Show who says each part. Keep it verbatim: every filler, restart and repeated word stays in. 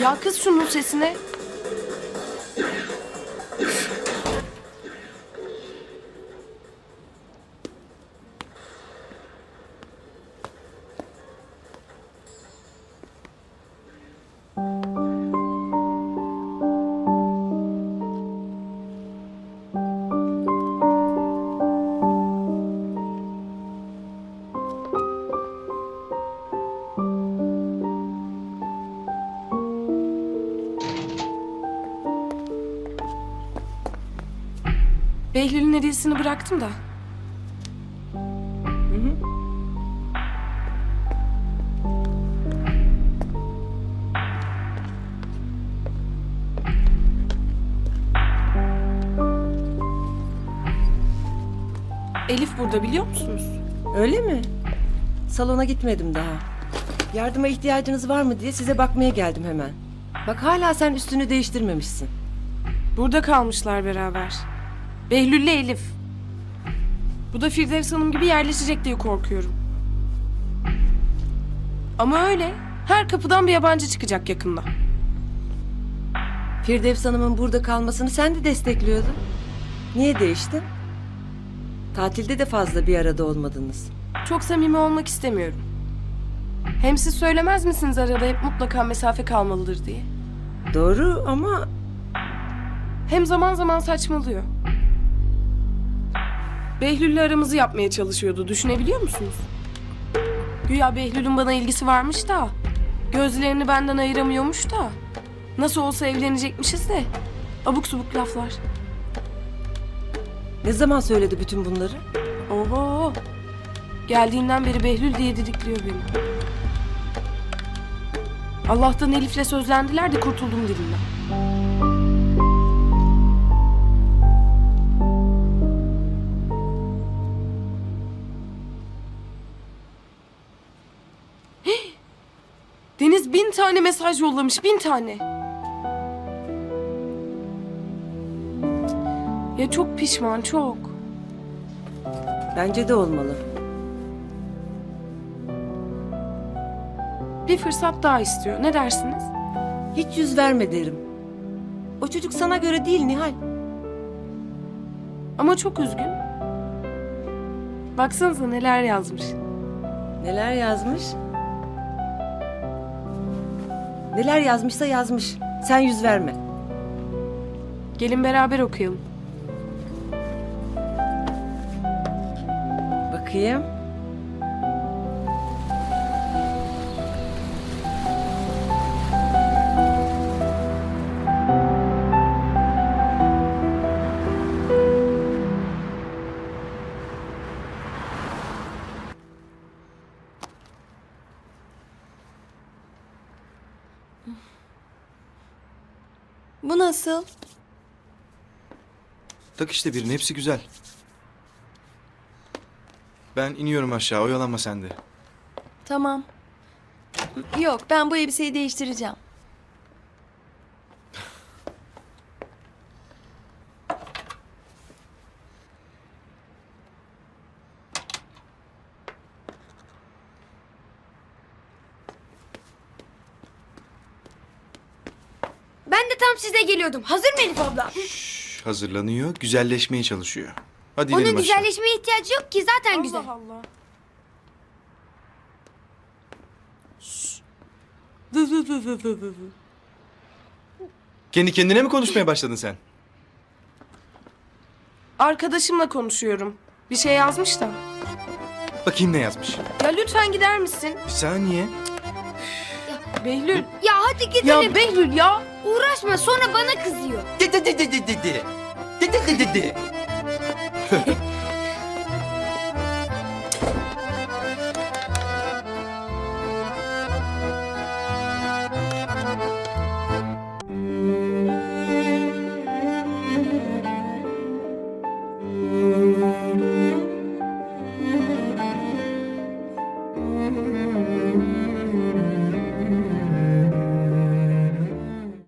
Speaker 1: Ya kız şunun sesine. Behlül'ün hediyesini bıraktım da. Hı hı. Elif burada, biliyor musunuz?
Speaker 2: Öyle mi? Salona gitmedim daha. Yardıma ihtiyacınız var mı diye size bakmaya geldim hemen. Bak hala sen üstünü değiştirmemişsin.
Speaker 1: Burada kalmışlar beraber. Behlül'le Elif. Bu da Firdevs Hanım gibi yerleşecek diye korkuyorum. Ama öyle. Her kapıdan bir yabancı çıkacak yakında.
Speaker 2: Firdevs Hanım'ın burada kalmasını sen de destekliyordun. Niye değiştin? Tatilde de fazla bir arada olmadınız.
Speaker 1: Çok samimi olmak istemiyorum. Hem siz söylemez misiniz arada hep mutlaka mesafe kalmalıdır diye?
Speaker 2: Doğru ama
Speaker 1: Hem zaman zaman saçmalıyor. Behlül'le aramızı yapmaya çalışıyordu. Düşünebiliyor musunuz? Güya Behlül'ün bana ilgisi varmış da. Gözlerini benden ayıramıyormuş da. Nasıl olsa evlenecekmişiz de. Abuk subuk laflar.
Speaker 2: ne zaman söyledi bütün bunları?
Speaker 1: Oho. Geldiğinden beri Behlül diye didikliyor beni. Allah'tan Elif'le sözlendiler de kurtuldum dilinden. Hih! Deniz bin tane mesaj yollamış, bin tane. Ya çok pişman, çok.
Speaker 2: Bence de olmalı.
Speaker 1: Bir fırsat daha istiyor. Ne dersiniz?
Speaker 2: Hiç yüz verme derim. O çocuk sana göre değil Nihal.
Speaker 1: Ama çok üzgün. Baksanıza neler yazmış.
Speaker 2: Neler yazmış? Neler yazmışsa yazmış. Sen yüz verme.
Speaker 1: Gelin beraber okuyalım.
Speaker 2: Bakayım.
Speaker 3: Bu nasıl?
Speaker 4: Tak işte birini, hepsi güzel. Ben iniyorum aşağı, oyalanma sen de.
Speaker 3: Tamam. Yok, ben bu elbiseyi değiştireceğim.
Speaker 5: Ben de tam size geliyordum. Hazır mı Elif abla?
Speaker 4: Şş, hazırlanıyor, güzelleşmeye çalışıyor. Hadi
Speaker 5: Onun
Speaker 4: inelim aşağı.
Speaker 5: güzelleşmeye ihtiyacı yok ki zaten güzel.
Speaker 1: Allah Allah. Vı vı vı vı vı vı.
Speaker 4: Kendi kendine mi konuşmaya başladın sen?
Speaker 1: Arkadaşımla konuşuyorum. Bir şey yazmış da.
Speaker 4: Bakayım ne yazmış.
Speaker 1: Ya lütfen gider misin?
Speaker 4: Bir saniye.
Speaker 1: Behlül.
Speaker 5: Ya hadi gidelim.
Speaker 1: Ya Behlül ya.
Speaker 5: Uğraşma sonra bana kızıyor.
Speaker 6: De de de de de de de. De de de de de.